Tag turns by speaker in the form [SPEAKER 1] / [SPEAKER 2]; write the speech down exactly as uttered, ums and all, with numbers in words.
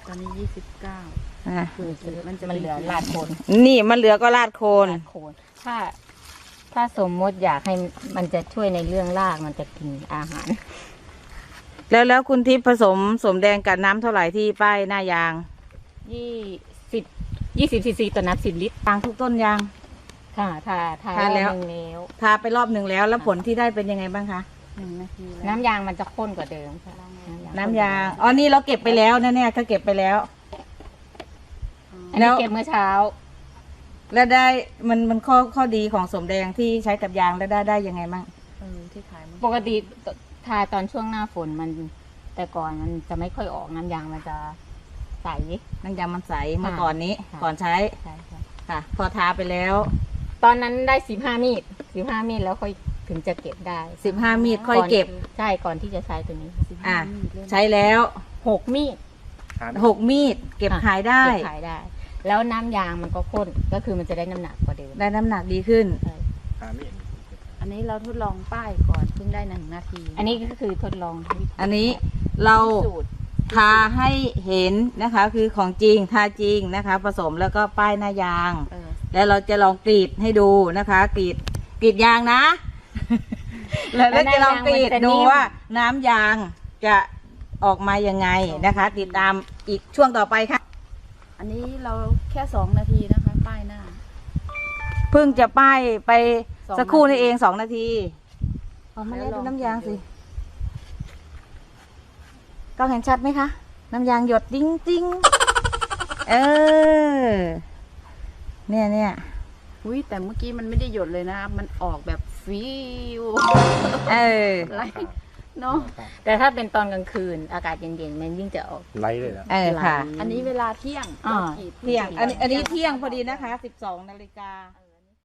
[SPEAKER 1] ตอนนี้ยี่สิบเก้า
[SPEAKER 2] อ่ะ
[SPEAKER 1] คือมันจะ
[SPEAKER 3] มันเหลือลาดโคน
[SPEAKER 2] นี่มันเหลือก็ราดโคน
[SPEAKER 3] ลาดโคนถ้า ถ้าสมมติอยากให้มันจะช่วยในเรื่องรากมันจะกินอาหาร
[SPEAKER 2] แล้วแล้วคุณทิพย์ผสมสมแดงกับน้ำเท่าไหร่ที่ป้ายหน้ายาง
[SPEAKER 3] ยี่สิบยี่สิบซีซีต่อน้ำสิบลิตร
[SPEAKER 2] ยางทุกต้นยาง
[SPEAKER 3] ค่ะทาทา
[SPEAKER 2] ทาแล้ว
[SPEAKER 3] รอบนึงแล้ว
[SPEAKER 2] ทาไปรอบหนึ่งแล้วแล้วผลที่ได้เป็นยังไงบ้างคะ
[SPEAKER 1] หนึ่งนาทีแล้ว
[SPEAKER 3] น้ำยางมันจะข้นกว่าเดิมค่ะ
[SPEAKER 2] น้ำยางอ๋อนี่เราเก็บไปแล้วนะเนี่ยก็เก็บไปแล้ว
[SPEAKER 3] อัน
[SPEAKER 2] แล้
[SPEAKER 3] นี้
[SPEAKER 2] ว
[SPEAKER 3] เก็บเมื่อเช้า
[SPEAKER 2] แล้วได้มันมันข้อข้อดีของสมแดงที่ใช้กับยางแล้วได้ได้ยังไงบ้าง
[SPEAKER 1] เออที่ขายมัน
[SPEAKER 3] ปกติทาตอนช่วงหน้าฝนมัน แต่ก่อนมันจะไม่ค่อยออกน้ำยางมันจะใส
[SPEAKER 2] น้ำยางมันใสเมื่อก่อนนี้
[SPEAKER 3] ค่ะ
[SPEAKER 2] ก่อนใช้
[SPEAKER 3] ใช่ค่ะ
[SPEAKER 2] ค่ะ พอทาไปแล้ว
[SPEAKER 3] ตอนนั้นได้สิบห้ามีดสิบห้ามีดแล้วค่อยถึงจะเก็บได้
[SPEAKER 2] สิบห้ามีดค่อยเก็บ
[SPEAKER 3] นใช่ก่อนที่จะใช้ตัวนี้
[SPEAKER 2] อ่ะ
[SPEAKER 1] มีดเลย
[SPEAKER 2] ใช้แล้ว
[SPEAKER 3] หกมีด
[SPEAKER 2] หกมีดเก็บขายได้
[SPEAKER 3] เก็บขายได้ แล้วน้ำยางมันก็ข้นก็คือมันจะได้น้ำหนักกว่าเดิม
[SPEAKER 2] ได้น้ำหนักดีขึ้น
[SPEAKER 3] ใช่
[SPEAKER 1] อันนี้เราทดลองป้ายก่อนเพิ่งได้หนึ่งนาที
[SPEAKER 3] อันนี้ก็คือทดลองวิธี
[SPEAKER 2] อันนี้เรา
[SPEAKER 3] สูตร
[SPEAKER 2] ทาให้เห็นนะคะ คือของจริงทาจริงนะคะ ผสมแล้วก็ป้ายหน้ายาง
[SPEAKER 1] เออ
[SPEAKER 2] แล้วเราจะลองกรีดให้ดูนะคะ กรีดกรีดยางนะ แล้วเราจะลองกรีดดูว่าน้ำยางจะออกมายังไงนะคะ ติดตามอีกช่วงต่อไปค่ะ
[SPEAKER 1] อันนี้เราแค่สองนาทีนะคะ ป้ายหน้า
[SPEAKER 2] เพิ่งจะป้ายไป
[SPEAKER 1] สอง
[SPEAKER 2] สักครู่นี่
[SPEAKER 1] นาที
[SPEAKER 2] เองสองนาทีเอามา
[SPEAKER 1] แล้
[SPEAKER 2] เล่
[SPEAKER 1] วน ล
[SPEAKER 2] ดู
[SPEAKER 1] อง
[SPEAKER 2] น้ำยาง
[SPEAKER 1] กรี
[SPEAKER 2] สิ
[SPEAKER 1] ดดู
[SPEAKER 2] กล้องเห็นชัดไหมคะ น้ำยางหยดติ้งติ้งเออ เนี่ยเนี่ย
[SPEAKER 1] อุ้ยแต่เมื่อกี้มันไม่ได้หยดเลยนะ มันออกแบบฟิว
[SPEAKER 2] เออ
[SPEAKER 1] ไหลเนาะ
[SPEAKER 3] แต่ถ้าเป็นตอนกลางคืนอากาศเย็นๆมันยิ่งจะออก
[SPEAKER 4] ไล่เลยนะ
[SPEAKER 2] เออค่ะ
[SPEAKER 1] อันนี้เวลาเที่ยง
[SPEAKER 3] อ่า
[SPEAKER 1] เรากรีด
[SPEAKER 2] เที่ยง อันนี้อันนี้เที่ยงพอดีนะคะ สิบสองนาฬิกา